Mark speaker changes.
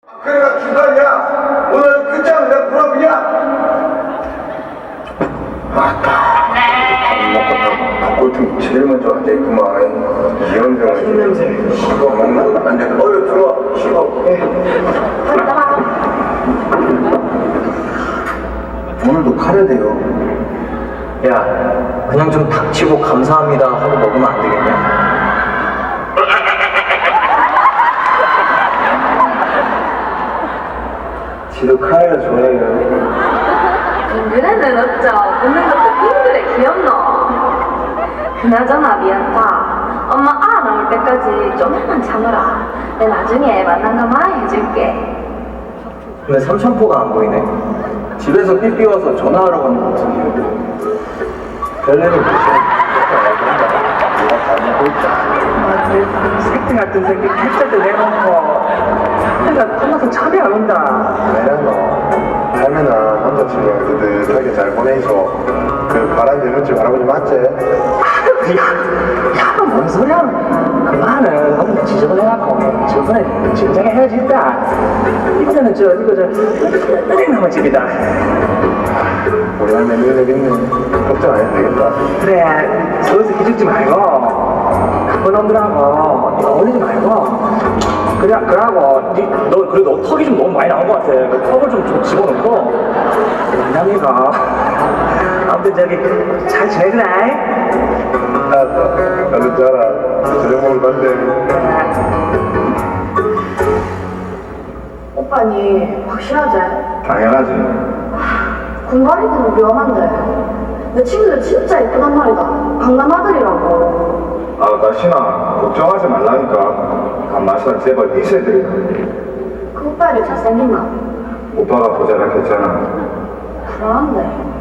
Speaker 1: 그래가 주단이야. 오늘 끝장을 내가 물어보냐? 아따. 밥 먹고 닭골통 제일 먼저 앉아있구만. 이현병을.
Speaker 2: 신냄새.
Speaker 1: 그거 먹나? 안 돼. 어여 들어와. 쉬어. 오늘도 카레돼요.
Speaker 2: 야, 그냥 좀 닥치고 감사합니다 하고 먹으면 안 되겠냐?
Speaker 1: 지도 카레를 좋아해요.
Speaker 3: 빙그레는 어쩌 웃는 것도 빙그레 귀엽노. 그나저나 미안타. 엄마 아 나올 때까지 좀만 참으라. 내 나중에 만난 거 많이 해줄게.
Speaker 2: 근데 삼천포가 안 보이네.
Speaker 1: 집에서 삐삐 와서 전화하러 가는 것 같은데. 별내는
Speaker 4: 새끼 같은 새끼 캡처도 내놓고 내가 끝나서 잠이 안 온다.
Speaker 1: 왜냐 너 할매나 남자친구랑 뜨뜻하게 잘 보내줘. 그 바람 대문집 할아버지 맞지?
Speaker 4: 야, 뭔 소리야? 그 말은 너무 지저분해갖고 저번에 진작에 헤어졌다. 이번에는 이거 은행나무 집이다.
Speaker 1: 우리 할매 능력 있네. 걱정 안 해도 되겠다.
Speaker 4: 그래, 서울서 기죽지 말고 그런 놈들하고 어울리지 말고 그러고 너 그래도 턱이 좀 너무 많이 나온 것 같아. 그 턱을 좀 집어넣고 남이가 아무튼 잘 지내주라.
Speaker 1: 알았어. 나도 잘아. 저녁 먹을 건데.
Speaker 3: 오빠니 확실하지?
Speaker 1: 당연하지.
Speaker 3: 군발이들은 위험한데. 내 친구들 진짜 예쁘단 말이다. 강남 아들이라고.
Speaker 1: 아, 나신아. 걱정하지 말라니까. 간마시랑 제발 이세들이다.
Speaker 3: 그 오빠를 잘생겼나?
Speaker 1: 오빠가 보자라 했잖아.
Speaker 3: 불안한데.